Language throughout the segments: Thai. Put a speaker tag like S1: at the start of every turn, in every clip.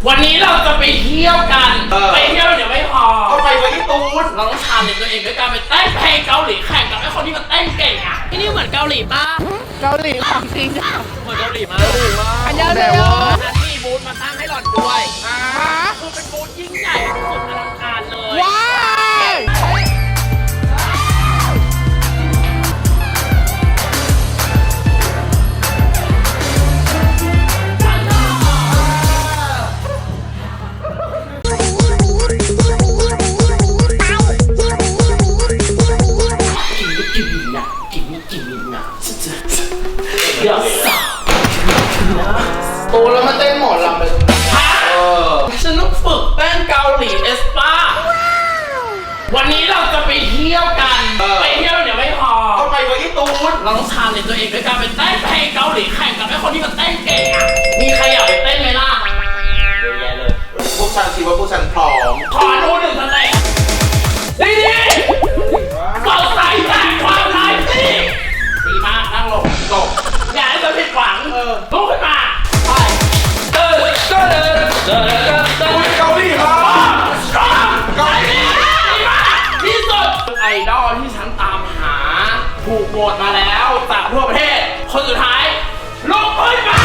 S1: วันนี้เราจะไปเที่ยวกันไปเที่ยวเดี๋ยวไม่พอ
S2: ก็ไปญี่ปุ่น
S1: เราต้องชาเลนจ์ตัวเองด้วยการไปเต้นเพลงเกาหลีแข่งกับไอ้คนที่มันเต้นเก่งอ่ะที่นี่เหมือนเกาหลีป่ะ
S3: เกาหลีของจริง
S1: เหมือนเกาหลีมาก
S3: อันยาเลย
S1: ฉันมีบูธมาตั้งให้หล่อนด้วยคือเป็นบูธยิ่งใหญ่สุดอลังการเลย
S3: ว้าว
S2: โตแล้วมาเต้นหมอลำไป
S1: ฉันต้องฝึกเต้นเกาหลีเอสป้าวันนี้เราจะไปเที่ยวกันไปเที่ยวเดี๋ยวไม่พอ
S2: ก็ไปญี่ปุ่น
S1: เราต้องชาเลนจ์ตัวเองด้วยการไปเต้นเพลงเกาหลีแข่งกับไอ้คนที่มันเต้นเก่งอ่ะมีใครอยากไปเต้นไหมล่ะ
S2: เยอะแยะเลยพวกฉันคิดว่าพวกฉันพร้อม
S1: ขอดูหนึ่งสเต็ปดีเราใส่แต่ความไลฟ์สิดีมากนั่งลงอย่าให้เราผิดหวังลุกขึ้นมาไป
S2: เกาหลีมา
S1: เกาหลีมากที่สุดไอดอลที่ฉันตามหาถูกโหวตมาแล้วจากทั่วประเทศคนสุดท้ายลุกขึ้นมา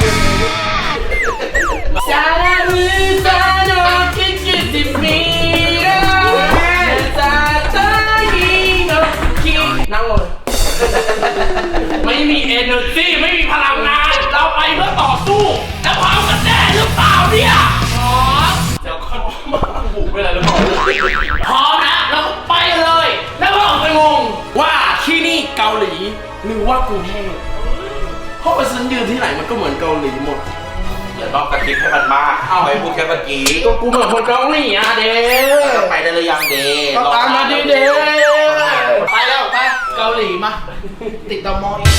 S1: ซาดาลูซาโนคิคิติมิระซาตาฮิโนคินั่งลงไม่มี energy ไม่มีพลังงานเราไปเพื่อต่อสู้แล้วพร้อมกันแน่หรือเปล่าเนี่ยพร้อมเดี๋ยวเขามาบุกไปเลยหรือเปล่าพร้อมนะเราไปเลยแล้วก็ไปงงว่าที่นี่เกาหลีหรือว่ากรุงเทพเพราะว่าฉันยืนที่ไหนมันก็เหมือนเกาหลีหมด
S2: อย่าต้องกระติบให้มันมากเอาไปพูดแค่เมื่อกี้
S1: ก็กูเหมือนคนเกาหลีอ่ะเด้
S2: ไปได้เลยยังเด้
S1: ก็ตามมาดิเด้ไปแล้วไปเกาหลีมาติดตมอี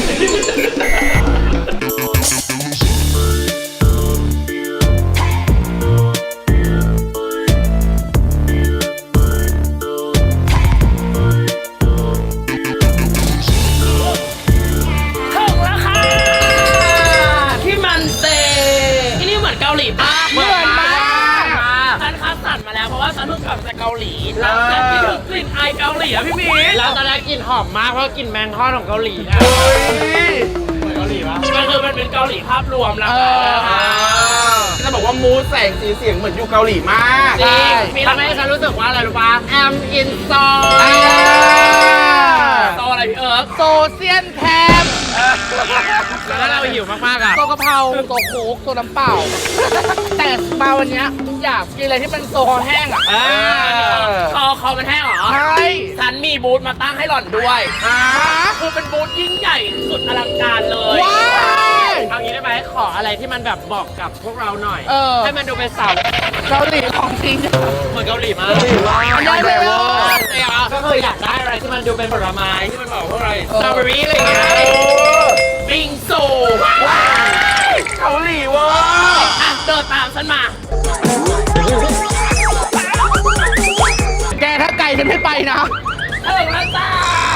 S1: ฉันเพิ่งกลับจากเกาหลีแล้วฉันคิดถึงกลิ่นไอเกาหลีอะพี่มีแล้วตอนแรกกลิ่นหอมมากเพราะกลิ่นแมงทอดของเกาหลีอะเหมือนเกาหลีปะมันเป็นเกาหลีภาพรวมแล้ว
S2: จะบอกว่ามูดแสงสีเสียงเหมือนอยู่เกาหลีมาก
S1: จริงมีทำให้ฉันรู้สึกว่าอะไรรู้ปะ I'm in โซอะไรพี่
S3: โซเซียนแทม
S1: แล้วเราหิวมากๆอ่ะ
S3: โซกะเพราโซโค้กโซน้ำเปล่าแต่มาวันนี้อยากกินอะไรที่เป็นโซคอแห้งอ่ะ
S1: คอมันแห้งเหรอ
S3: ใช่
S1: ฉันมีบูธมาตั้งให้หล่อนด้วยคือเป็นบูธยิ่งใหญ่สุดอลังการเลยเอางี้ได้ไหมขออะไรที่มันแบบบอกกับพวกเราหน่อยให้มันดูเป็นสาว
S3: เกาหลีของจริง
S1: เหมือนเกาหลีมาก
S3: ได้เลย
S1: ก็คืออยากได้อะไรที่มันดูเป็นผลไม้ที่มันบอกว่าอะไรสตรอเบอรี่อะไรอย่างเงี้ยบิงซู
S2: เกาหลีวะ
S1: เดินตามฉันมา
S3: แกถ้าไก่ฉันไม่ไปนะ
S1: ถึงแล้วจ้า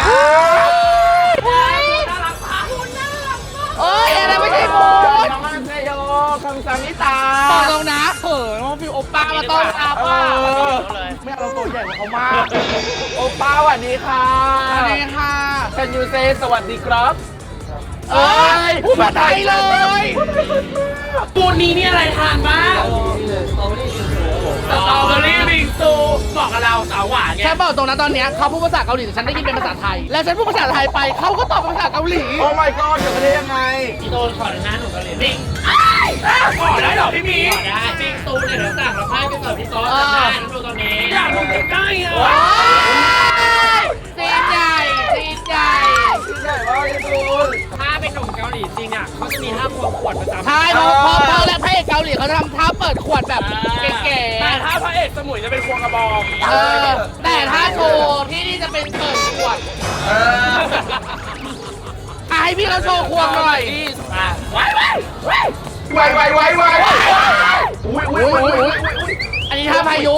S1: น่ารักมาก
S3: อะไรไม่ใช่มูด
S1: น้องมันเซโยคำสั่งนิตา
S3: บอกตรงนะน้องฟิวโอป้ามาต้อนรับว่าไม่เอาเราตัวใหญ่กว่าเขามาก
S2: โอป้าสวัสดีค่ะ
S3: สวัสดีค่ะ
S2: Can you say สวัสดีครับ
S3: พูดภาษาไทยเลย
S1: ปูนนี้นี่อะไรทานบ้างสตรอเบอรี่บิงซูบอกกับเราสาวหวานไง
S3: แค่บอกตรงนั้นตอนนี้เขาพูดภาษาเกาหลีแต่ฉันได้ยินเป็นภาษาไทยแล้วฉันพูดภาษาไทยไปเขาก็ตอบเป็นภาษาเกาหลี
S2: โอ้ my god จะได้ยังไง
S1: พี่โดนขอหน้าหนูเกาหลีบิงขอได้เหรอพี่มีขอได้บิงซูเนี่ยเดี๋ยวสั่งเราให้ไปเสิร์ฟที่โต๊ะจำได้นะดูตอนนี้อยากลงใกล้ๆอ่ะ
S3: จีนใหญ่
S2: ว่าคุณ
S1: ถ้าเป็นหนุ่มเกาหลีจริงอ่ะเขาจะมีท่าควงขวดประจำ
S3: ใช่เพราะและพระเอกเกาหลีเขาทำท่าเปิดขวดแบบเก๋
S1: ๆแต่ถ้าพระเอกสมุยจะเป็นควงกระบอง
S3: แต่ถ้าโชว์ที่นี่จะเป็นเปิดขวดให้พี่เขาโชว์ควงหน่อย
S1: ไว้
S3: อันนี้ท่าพายุ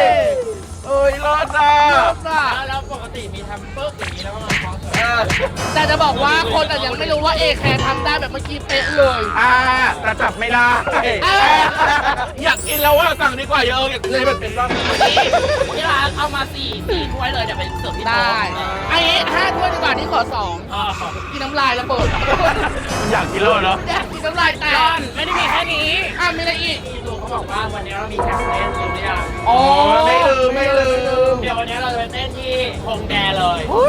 S2: รอดนะ
S1: แล้วปกติมีทำปึ๊กอย่างนี้แล้วก็มาคล้องแต่
S3: แต่จะบอกว่าคนอาจยังไม่รู้ว่าเอแคร์ทำได้แบบเมื่อกี้เป๊ะเลย
S2: แต่จับไม่ได้อยากกินแล้วว่าสั่งดีกว่าเยอะเลยมันเป็นรอบ
S1: ที่ร้านเอามาสี่ถ้วยเลยเดี๋ยวไปเสิร์ฟที่
S3: ได้
S1: โต๊ะ
S3: ไอ้5 ถ้วยดีกว่าที่ขอ 2 กินน้ำลายแล้วเปิด
S2: อยากกินแล้วเนาะ
S3: อยากกินน้ำลายแต
S1: ร้อก นไม่ได้มีแค่นี้
S3: มีอะไรอีก
S1: พี่ลุงเขาบอกว่าวันนี้เรามีแข่งเต้นรู้หรือยัง
S3: อ๋อ
S2: ไม่ลืม
S1: เดี๋ยววันนี้เราจะไปเต้นที่ฮงแดเลย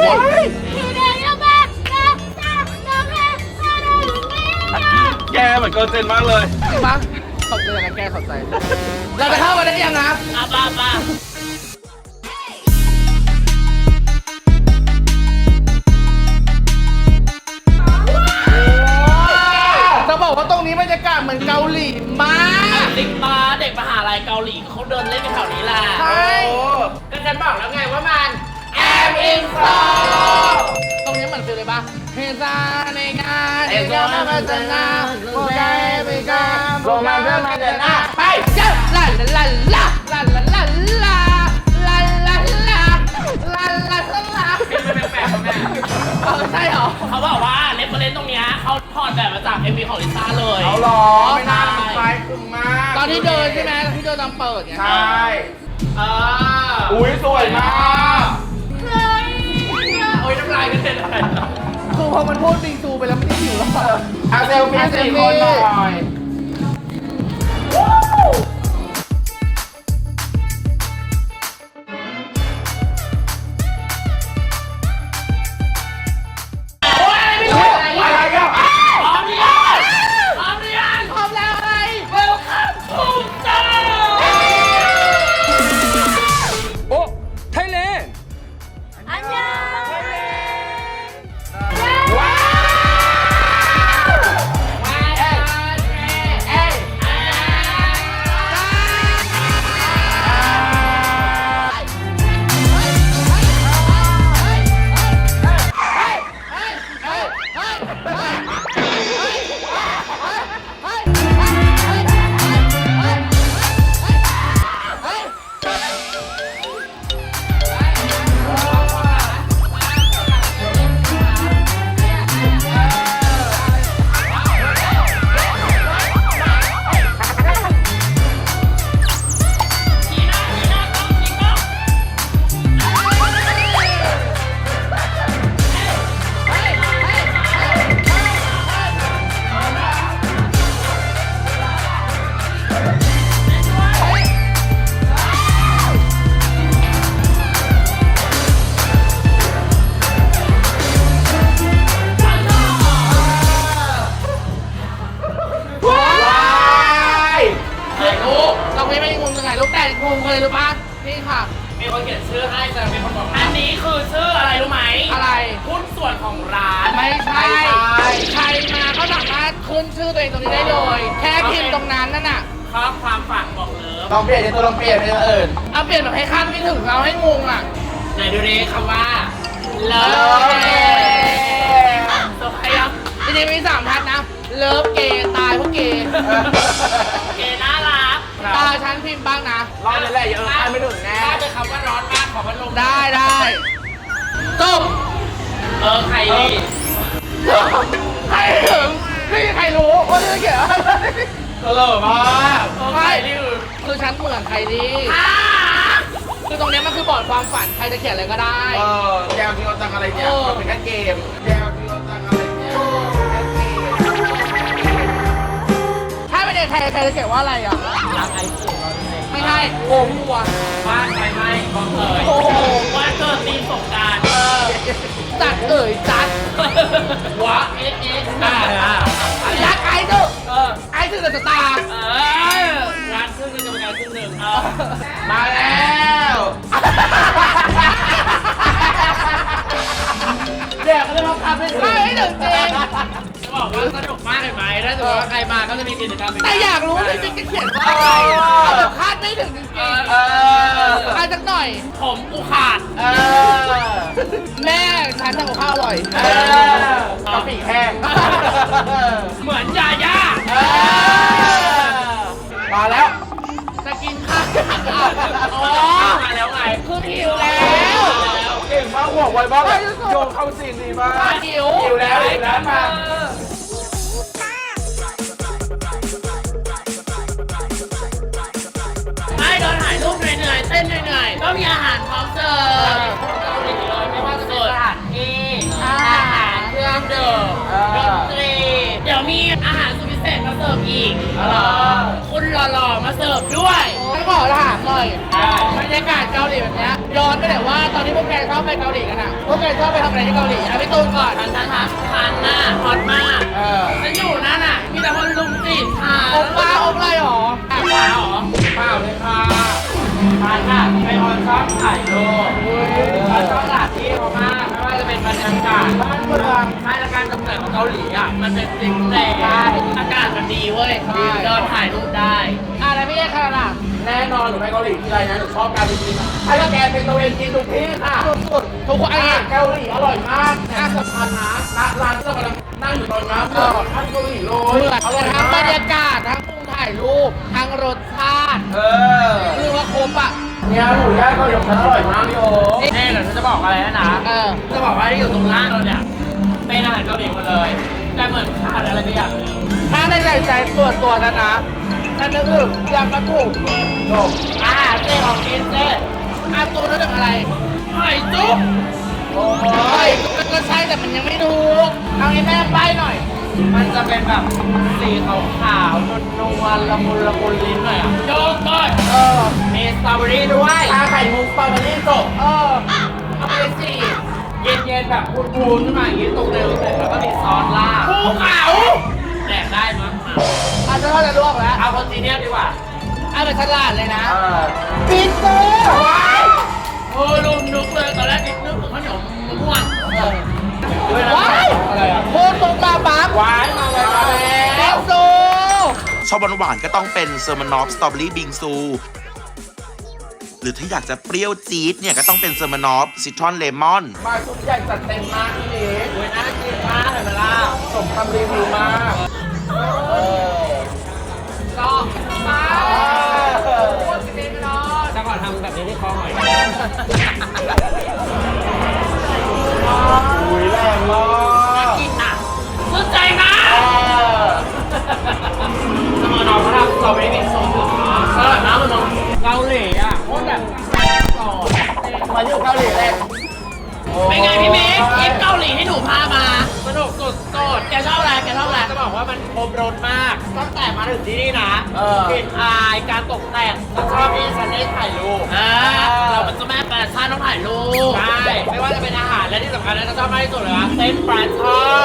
S2: แกเหมือนเกินเจนมากเลย
S3: จริงปะขอบใจนะแกขอบใจ เราจะเข้ามาได้ยังนะ
S1: ป้า
S3: จะบอกว่าตรงนี้บรรยากาศเหมือนเกาหลีมาก
S1: เด็กมาเด็กมหาลัยเกาหลีเขาเดินเล่นกันแถวนี้แหละ
S3: ใช่
S1: ก็ฉันบอกแล้วไงว่ามันแอมอินสตอ
S3: ตรงนี้เหมือนฟิลเลยปะเฮซาในงานเฮซามาเจนาโอเคไปกันโรมาเพื่อมาเจนาไปเจ้าลาลาลาลาลาลาลาลาลาลาลาลาลาลา
S1: เป็นมันแปลกๆแม่
S3: ใช่เหรอ
S1: เขาบอกว่าเรฟเฟอเรนซ์ตรงเนี้ยเขาถอดแบบมาจาก MV ของลิซ่าเลย
S2: เอาหรอไม่น่าคล้ายคลึงมาก
S3: ตอนที่เดินใช่ไหมตอนที่เดินตอนเปิดไง
S2: ใช่
S1: อุ้ย
S2: สวยมาก
S1: โอ้ยน้ำลายกันเต็มเลย
S3: คือพอมันพูดบิงซูไปแล้วไม่ได้หิวแล้วอะ
S2: เซลฟี่4 คนหน่อย อะไรกัน
S1: พร้อมหรือยังพร้อมหรือยัง
S3: พร้อมแล้วอะไร
S1: Welcome to Star
S4: โอ้ไทยแลนด์
S2: ว้าว
S3: เราไม่งงตรงไหนลูกแต่งงเลยหรือปะนี่ค่ะ
S1: มีคนเขียนชื่อให้แต่มีคนบอกอันนี้คือชื่ออะไรรู้ไหม
S3: อะไร
S1: หุ้นส่วนของร้าน
S3: ไม่ใช่ใครมาก็สามารถขึ้นชื่อตัวเองตรงนี้ได้เลย แค่พิมพ์ตรงนั้นนั่นน่ะ
S1: ข้อความฝากบอกเลิฟ
S2: ลองเปลี่ยนตัวลองเปลี่ยนเป็นอย่างอื่น
S3: เอาเปลี่ยนแบบให้คาดไม่ถึงเราให้งงอ่ะ
S1: ไหนดูดิคำว่าเลิฟตัวใครอ่ะ
S3: จริงๆมี3 พันนะ เลิฟเกย์ตายเพราะเกย์
S1: เกน่ารัก
S3: ตาฉันพิมพ์บ้างนะ
S2: รอบนี้แหละอย่าคาดไม่ถึงแน่
S1: ถ้าเป็นคำว่าร้อนมากขอพัดลม
S3: ได้จบ
S1: ใครดี
S3: ใครถึงไม่มีใครรู้ว่าเรื่องเกี่ยวอะไร
S2: ตลกมาก
S1: ใครดี
S3: คือฉันเหมือนใครดีคือตรงเนี้ยมันคือบอร์ดความฝันใครจะเขียนอะไรก็ได้
S2: แกวที่เราจังอะไรเนี่ยมันเป็นแค่เกมแกวที่เราจังอะไรเนี่ยแค่เกม
S3: ถ้าเป็นเด็กไทยใครจะเขียนว่าอะไรอ่ะ
S1: รักไอซ์
S3: ไม่ใช่โกมัว
S1: บ้านไฟไหม้บอกเอ่ย
S3: โอ้โห
S1: ว่าเกิดตีสงการ
S3: จัดเอ่ยจัด
S1: วะเอ๊ะ
S3: รักไอ้เถอะไอ้ถึงจะตา
S1: งานครึ่งนึงกับงานครึ่งหนึ่ง
S2: มาแล้ว
S1: เดี๋ยวก็จะมาทำให้ถึง
S3: ไม่ให้ถึงจริง
S1: จะบอกว่าสนุกมากเห็นไหมถ้าสมมติว่าใครมาก็จะมีกิจกรรม
S3: แต่อยากรู้ว่าพี่ปิ๊กจะเขียนว่าอะไรเอาแบบคาดไม่ถึงจริงๆมาสักหน่อย
S1: ผมกูขาด
S3: แม่ฉันทำกับข้าวอร่อย
S2: กะปิแห้ง
S1: เหมือนยาย่า
S2: มาแล้ว
S3: จะกินข้าว
S1: อ๋อมาแล้วไง
S3: คือหิวแล้ว
S2: เก่งมบ้างห่วงไว้บ้างโยงเข้าซีนดีมาก
S3: หิว
S2: หิวแล้วมา
S1: ไม่โดนถ่ายรูปเหนื่อยๆเต้นเหนื่อยๆก็มีอาหารพร้อมเสิร์ฟเกาหลีเลยไม่ว่าจะเป็นสถานที่อาหารเครื่องดื่มดนตรีเดี๋ยวมีอาหารสุดพิเศษมาเสิร์ฟอีกคุณหล่อๆมาเสิร์ฟด้วย
S3: ฉันขอถามหน่อยบรรยากาศเกาหลีแบบเนี้ยย้อนไปแต่ว่าตอนที่พวกแกชอบไปเกาหลีกันอ่ะพวกแกชอบไปทำอะไรที่เกาหลีอ่ะพี่ตูนก่อน
S1: ทันหน้าฮอตมากฉันอยู่นั่นน่ะมีแต่คนลุมจีบค่ะ
S3: อบป้าอบไรหรอ
S1: เปล่าเหรอ
S2: เปล่าเลยค่ะ
S1: ทานค่ะเป็นคนชอบถ่ายรูปชอบสถานที่เขามากไม่ว่าจะเป็นบรรยากาศบ้านเมืองไม่และการตกแต่งของเกาหลีอ่ะมันเป็นสิ่งแปลกอากาศมันดีเว้ยเดินถ่ายรูปได้
S3: อะไรพี่แกขนาด
S2: แน่นอนหนูไปเกาหลีทีไรนะหนูชอบการไปกินให้แกเป็นตัวเองกินทุกที่ค่ะ
S3: สุดๆทุกคนไอ้
S2: เกาหลีอร่อยมากน่าสำคัญนะร้านที่เรากำลังนั่งอยู่ตอนนี้เปิดท่านเกาหลีเล
S3: เห
S2: ย
S3: มือน
S2: อร่อย
S3: ทั้งบ
S2: มาร ก
S3: รยากาศทั้งมุมถ่ายรูปทั้งรสชาติ คือว่าครบอ่ะ
S2: เนี่ยหมูย่างเกาหลีของฉันอร่อยมากพี่โอ้
S1: เดี๋ยวฉันจะบอกอะไรนะ จะบอกว่าที่อยู่ตรงล่างเราเนี่ยเป็นอาหารเกาหลีหมดเลย แต่เหมือนขาดอะไรไปอย่างนึง
S3: ถ้าในใจตัวนั้นนะนั่นก็คือยำมะกรูด
S2: จบ
S1: อาหารเจของกินเจ
S3: อาตัวนั้นเป็นอะไร
S1: หอยจุ๊บ
S2: โอ้
S3: เฮ้
S2: ย
S3: ยก็ใช่แต่มันยังไม่ถูกเอางี้แม่ใบ้หน่อย
S1: มันจะเป็นแบบสีขาวๆนวลๆละมุนลิ้นหน่อยอ่ะโยกก้อยมีสตรอเบอรี่ด้วย
S2: ชาไข่มุกสตรอเบอรี่จบ
S1: เอาไปสิเย็นๆแบบพูนๆขึ้นมาอย่างนี้ตรงเร็วเสร็จแล้วก็มีซอสราดภูเขาแดกได้มั้ง
S3: อาจจะเขาจะลวกแล้ว
S1: เอาคอนติเนียดีกว่า
S3: เอาเป็นฉลาดเลยนะ
S2: ปิดโซ่
S1: โอ้ลุมนึกเลยตอนแรกนึกถึงขนมมะม่วง
S3: ว้าย
S2: อะไรอ่ะ
S3: โคตรตรงมาปั๊บ
S2: หวานมาเลยมาแล้
S3: แก้
S2: ว
S3: วซู
S5: ชอบหวานๆก็ต้องเป็นเซอร์มานอฟสตรอเบอรี่บิงซู หรือถ้าอยากจะเปรี้ยวจี๊ดเนี่ยก็ต้องเป็นเซอร์มานอฟซิตรอนเลมอน
S2: มาชุดใหญ่จัดเต็มมากพี่เล็ก
S1: โอ้ยน่ากินมากเลยล่ะ
S2: สมคำรีวิวมาก
S3: ก็มา
S1: จะก่อนทำแบบนี้ที่คอหอย
S2: อุ้ยแรงมาก
S1: กินอ่ะสนใจมากสมอนอเขาทำสตรอเบอรี่มิกซ์สูตรอร่อยมากเลยน้องเกาหลีอ่ะโคตรแบบก่อน
S2: มาอยู่เกาหลีแรก
S1: เป็นไงพี่เมฆคลิปเกาหลีที่หนูพามาสนุกสุดโสดแกชอบอะไรแกชอบอะไรจะบอกว่ามันครบรสมากตั้งแต่มาถึงที่นี่นะกลิ่นอายการตกแต่งฉันชอบที่ฉันได้ถ่ายรูปเราเป็นเจ้าแม่แฟชั่นต้องถ่ายรูปใช่ไม่ว่าจะเป็นอาหารและที่สำคัญนะฉันชอบมากที่สุดเลยวะเต้นปลาช่อน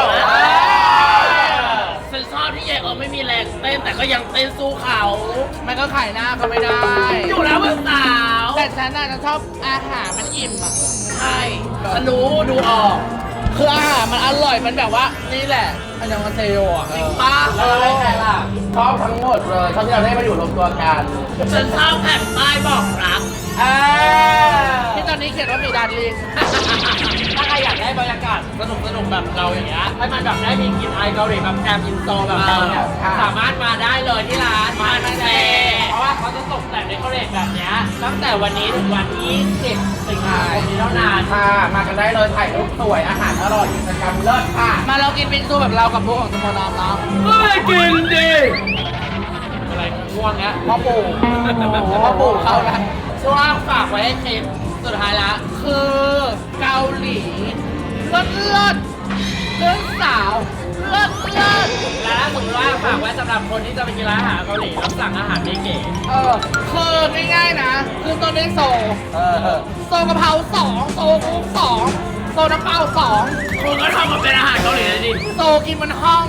S1: ฉันชอบที่ยายไม่มีแรงเต้นแต่ก็ยังเต้นสู้เขา
S3: มันก็ขายหน้าก็ไม่ได้
S1: อยู่แล้วเพื่อนสาว
S3: แต่ฉันน่ะจะชอบอาหารมันอิ่มอ่ะ
S1: ใช่ฉันรู้ดูออก
S3: คืออาหารมันอร่อยมันแบบว่านี่แหละอันยังมาเซโยอ่ะ
S1: ป้า
S2: แล้วอะไรใครล่ะชอบทั้งหมดเลยชอบที่เราได้มาอยู่รวมตัวกัน
S1: ฉันชอบแผ่นป้ายบอกรัก
S3: ที่ตอนนี้เขียนว่ามีดานลิง
S1: ถ้าใครอยากได้บรรยากาศสนุกๆแบบเราอย่างเงี้ยให้มันแบบได้มีกลินไอเกาหลีแบบแอบอินโซแบบเราเนี่ยสามารถมาได้เลยที่ร้านมาเซ่เพราะว่าเขาจะตกแต่งในเกาหลีแบบเนี้ยตั้งแต่วันนี้ถึงวันที่10 สิงหาคมนี้เท่านั้น
S2: ค่ะมากันได้เลยถ่ายรูปสวยอาหารอร่อยกิจกรรมเลิศค่ะ
S3: มาเรากินบิงซูแบบเรากับพวกของสมอนอมเนาะ
S1: ไม่กินดิอะไรง่วงเนี้ย
S3: พ่อปู่พ่อปู่เข้าแล้ว
S1: ช่วงฝากไว้ให้คลิปสุดท้ายละ
S3: คือเกาหลีเลิศเลิศเรื่องสาวเลิศเลิศ
S1: และถ้าสมมติว่าฝากไว้สำหรับคนที่จะไปกินร้านอาหารเกาหลีแล้วสั่งอาหารเก๋
S3: คือง่ายๆนะคือตัวนี้โซโซกะเพรา2โซกุ้ง2โซน้ำเปล่า2
S1: ๆคุณก็ทำมาเป็นอาหารเกาหลีเลยดิ
S3: โซกินมันห้อง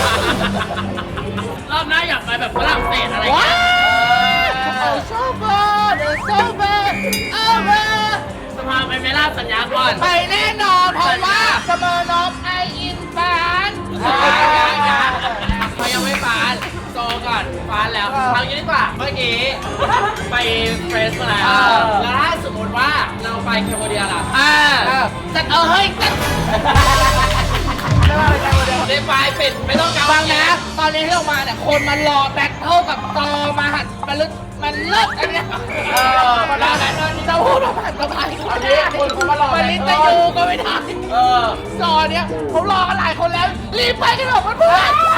S1: รอบหน้าอยากไปแบบฝรั่งเศสอะไร
S3: ว้า
S1: เงี้ย
S3: โอ้โซเบอร์เดอะโซเบอร์เอาเบอร์
S1: สภาไปไม่ล่าสัญญาก่อน
S3: ไปแน่นอนเพราะว่าเสมอนอฟไออินฟาน
S1: เขายังไม่ฟานโตก่อนฟานแล้วเอางี้ดีกว่าเมื่อกี้ไปเฟรชมาแล้วแล้วถ้าสมมติว่าเราไปแคมโบเดียล่ะ
S3: จัดเฮ้ยจัด
S1: ได้ไปเป็นดไม่ต้องเกา
S3: ฟังนะ ตอนนี้ที่ออกมาเนี่ยคนมารอแบทเทิลกับจอมาหัดมันลึกมันเลิศอันเนี้ยมันอะไรจะพูดมาผ่านสบาย
S2: อันนี้คนเขามารอ
S3: มันลิตยูก็ไม่ได้จอเนี้ยเขารอกันหลายคนแล้วรีบไปกันเถอะเพื่อน